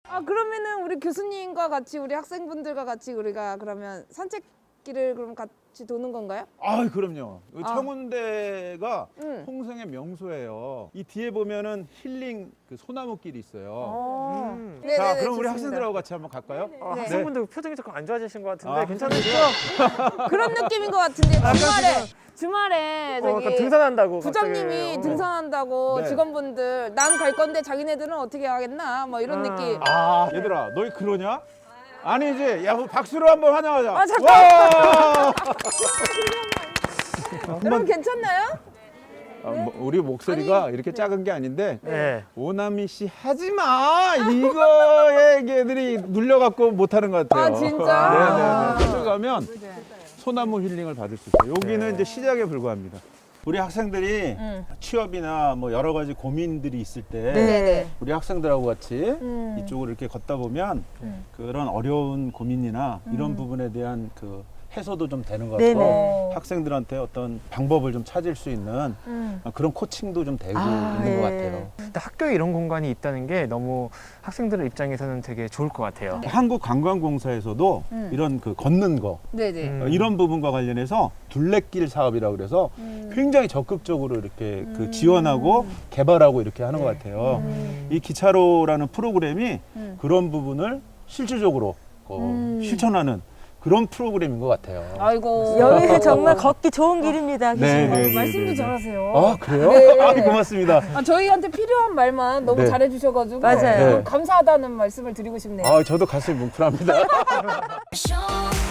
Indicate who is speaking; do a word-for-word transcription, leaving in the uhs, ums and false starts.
Speaker 1: 아 그러면은 우리 교수님과 같이 우리 학생분들과 같이 우리가 그러면 산책길을 그럼 같이 도는 건가요?
Speaker 2: 아, 그럼요. 이
Speaker 1: 아.
Speaker 2: 청운대가
Speaker 1: 응.
Speaker 2: 홍성의 명소예요. 이 뒤에 보면은 힐링 그 소나무길이 있어요.
Speaker 1: 어.
Speaker 3: 음.
Speaker 1: 네네네,
Speaker 2: 자, 그럼 우리
Speaker 1: 좋습니다.
Speaker 2: 학생들하고 같이 한번 갈까요?
Speaker 3: 아,
Speaker 1: 네.
Speaker 3: 학생분들 표정이 조금 안 좋아지신 것 같은데
Speaker 2: 아,
Speaker 3: 괜찮으시죠?
Speaker 1: 그런 느낌인 것 같은데 주말에 주말에
Speaker 3: 어,
Speaker 1: 저기
Speaker 3: 약간 등산한다고
Speaker 1: 부장님이
Speaker 3: 갑자기. 어.
Speaker 1: 등산한다고
Speaker 2: 네.
Speaker 1: 직원분들 난 갈 건데 자기네들은 어떻게 하겠나 뭐 이런
Speaker 3: 아.
Speaker 1: 느낌.
Speaker 2: 아, 얘들아, 너희 그러냐? 아니지. 야, 뭐 박수로 한번 환영하자.
Speaker 1: 아, 잠깐.
Speaker 2: 와!
Speaker 1: 여러분 괜찮나요?
Speaker 2: 아, 뭐, 우리 목소리가 이렇게 작은 게 아닌데
Speaker 3: 네.
Speaker 2: 오나미 씨 하지 마. 이거에 애들이 눌려갖고 못하는 것 같아요.
Speaker 1: 아, 진짜?
Speaker 2: 네네네. 들어가면 소나무 힐링을 받을 수 있어요. 여기는
Speaker 3: 네.
Speaker 2: 이제 시작에 불과합니다. 우리 학생들이
Speaker 1: 응.
Speaker 2: 취업이나 뭐 여러 가지 고민들이 있을 때
Speaker 1: 네네.
Speaker 2: 우리 학생들하고 같이
Speaker 1: 음.
Speaker 2: 이쪽으로 이렇게 걷다 보면
Speaker 1: 음.
Speaker 2: 그런 어려운 고민이나 이런
Speaker 1: 음.
Speaker 2: 부분에 대한 그 해소도 좀 되는 것
Speaker 4: 네네.
Speaker 2: 같고 학생들한테 어떤 방법을 좀 찾을 수 있는
Speaker 1: 음.
Speaker 2: 그런 코칭도 좀 되고
Speaker 4: 아,
Speaker 2: 있는 것
Speaker 4: 예.
Speaker 2: 같아요.
Speaker 3: 근데 학교에 이런 공간이 있다는 게 너무 학생들 입장에서는 되게 좋을 것 같아요.
Speaker 2: 한국관광공사에서도
Speaker 1: 음.
Speaker 2: 이런 그 걷는 거
Speaker 1: 네네.
Speaker 3: 음.
Speaker 2: 어, 이런 부분과 관련해서 둘레길 사업이라고 그래서
Speaker 1: 음.
Speaker 2: 굉장히 적극적으로 이렇게 그
Speaker 1: 음.
Speaker 2: 지원하고 개발하고 이렇게 하는 것
Speaker 3: 네.
Speaker 2: 같아요.
Speaker 1: 음.
Speaker 2: 이 기차로라는 프로그램이
Speaker 1: 음.
Speaker 2: 그런 부분을 실질적으로 어,
Speaker 1: 음.
Speaker 2: 실천하는 그런 프로그램인 것 같아요.
Speaker 1: 아이고.
Speaker 4: 여기는 정말 걷기 좋은 길입니다.
Speaker 2: 네,
Speaker 4: 교수님.
Speaker 2: 네,
Speaker 1: 어,
Speaker 2: 네,
Speaker 1: 말씀도
Speaker 2: 네, 네.
Speaker 1: 잘하세요.
Speaker 2: 아, 그래요?
Speaker 1: 네.
Speaker 2: 아, 고맙습니다.
Speaker 1: 아, 저희한테 필요한 말만 너무
Speaker 2: 네.
Speaker 1: 잘해주셔가지고
Speaker 4: 맞아요.
Speaker 1: 너무
Speaker 2: 네.
Speaker 1: 감사하다는 말씀을 드리고 싶네요.
Speaker 2: 아, 저도 가슴이 뭉클합니다.
Speaker 5: Show